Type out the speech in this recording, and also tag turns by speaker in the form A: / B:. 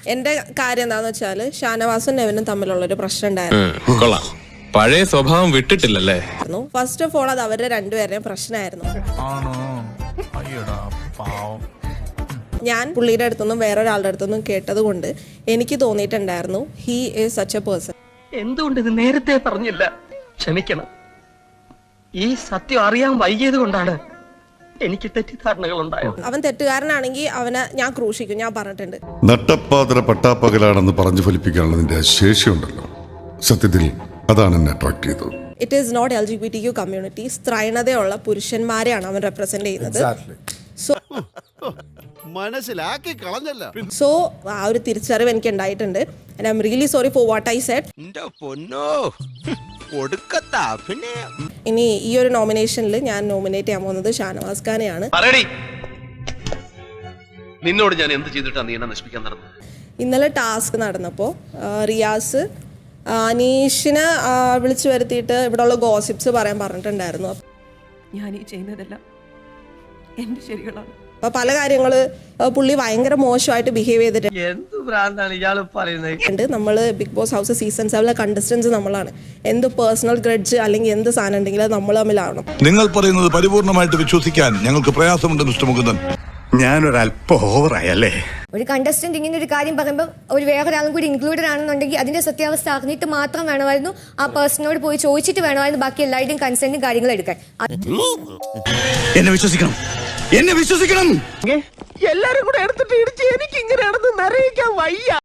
A: എന്റെ കാര്യം എന്താന്ന് വെച്ചാല് ഷാനവാസും നെവിനും തമ്മിലുള്ളൊരു പ്രശ്നം ഉണ്ടായിരുന്നു.
B: പഴയ സ്വഭാവം വിട്ടിട്ടില്ലല്ലേ?
A: ഫസ്റ്റ് ഓഫ് ഓൾ അത് അവരുടെ രണ്ടുപേരുടെയും പ്രശ്നമായിരുന്നു. ഞാൻ പുള്ളിയുടെ അടുത്തൊന്നും വേറൊരാളുടെ അടുത്തൊന്നും കേട്ടത് കൊണ്ട് എനിക്ക് തോന്നിയിട്ടുണ്ടായിരുന്നു he is such a person.
C: എന്തുകൊണ്ട് ഇത് നേരത്തെ പറഞ്ഞില്ല? ക്ഷമിക്കണം, ഈ സത്യം അറിയാൻ വൈകിയത് കൊണ്ടാണ് എനിക്ക് തെറ്റിദ്ധാരണകൾ ഉണ്ടായത്.
A: അവൻ തെറ്റുകാരനാണെങ്കിൽ അവനെ ഞാൻ ക്രൂശിക്കും, ഞാൻ പറഞ്ഞിട്ടുണ്ട്.
D: നട്ടപ്പാതിര പട്ടാപ്പകലാണെന്ന് പറഞ്ഞു ഫലിപ്പിക്കാനുള്ള നിന്റെ ശേഷിയുണ്ടല്ലോ, സത്യത്തിൽ അതാണ് എന്നെ അട്രാക്ട് ചെയ്തത്.
A: It is not LGBTQ community. സ്ത്രൈണതയുള്ള പുരുഷന്മാരെയാണ് അവൻ റെപ്രസെന്റ് ചെയ്യുന്നത്.
E: മനസ്സിലാക്കി കളഞ്ഞല്ല.
A: സോ ആ ഒരു തിരിച്ചറിവ് എനിക്ക് ഉണ്ടായിട്ടുണ്ട്. And I'm really sorry for what I said. ഇനി ഈ ഒരു നോമിനേഷനിൽ ഞാൻ നോമിനേറ്റ് ചെയ്യാൻ പോകുന്നത് ഷാനവാസ് ഖാനെയാണ്.
F: നിന്നോട് ഞാൻ എന്ത് ചെയ്തിട്ടാണ് നീ എന്നെ നശിപ്പിക്കാൻ നടന്നത്?
A: ഇന്നലെ ടാസ്ക് നടന്നപ്പോൾ റിയാസ് അനീഷിനെ വിളിച്ചു വരുത്തിയിട്ട് ഇവിടെയുള്ള ഗോസിപ്സ് പറയാൻ പറഞ്ഞിട്ടുണ്ടായിരുന്നു.
G: ഞാൻ ഈ ചെയ്യുന്നതെല്ലാം എന്റെ ശരികളാണ്.
A: അപ്പൊ പല കാര്യങ്ങള് പുള്ളി ഭയങ്കര മോശമായിട്ട് ബിഹേവ് ചെയ്തിട്ടുണ്ട്.
C: എന്ത് ഭ്രാന്താണ് ഇയാൾ പറയുന്നത്?
A: നമ്മള് Bigg Boss house season 7 contestants നമ്മളാണ്. എന്ത് പേഴ്സണൽ ഗ്രഡ്ജ് അല്ലെങ്കിൽ എന്ത് സാധനം ഉണ്ടെങ്കിലും അത് നമ്മൾ തമ്മിലാവണം.
H: നിങ്ങൾ പറയുന്നത് പരിപൂർണമായിട്ട് വിശ്വസിക്കാൻ ഞങ്ങൾക്ക് പ്രയാസമുണ്ട് മിസ്റ്റർ മുകുന്ദൻ.
E: ഞാനൊരല്പം ഓവറായല്ലേ?
I: ഒരു കണ്ടസ്റ്റന്റ് ഇങ്ങനെ ഒരു കാര്യം പറയുമ്പോൾ ഒരു വേറൊരാളും കൂടി ഇൻക്ലൂഡഡ് ആണെന്നുണ്ടെങ്കിൽ അതിന്റെ സത്യാവസ്ഥ അറിഞ്ഞിട്ട് മാത്രം വേണമായിരുന്നു ആ പേഴ്സണോട് പോയി ചോദിച്ചിട്ട് വേണമായിരുന്നു ബാക്കി എല്ലാവരുടെയും കൺസെന്റും കാര്യങ്ങളും എടുക്കാൻ.
E: എന്നെ വിശ്വസിക്കണം, എന്നെ വിശ്വസിക്കണം.
C: എല്ലാരും കൂടെ എടുത്തിട്ട് ഇടിച്ച് എനിക്ക് ഇങ്ങനെ നടന്ന് നിറയിക്കാൻ വയ്യ.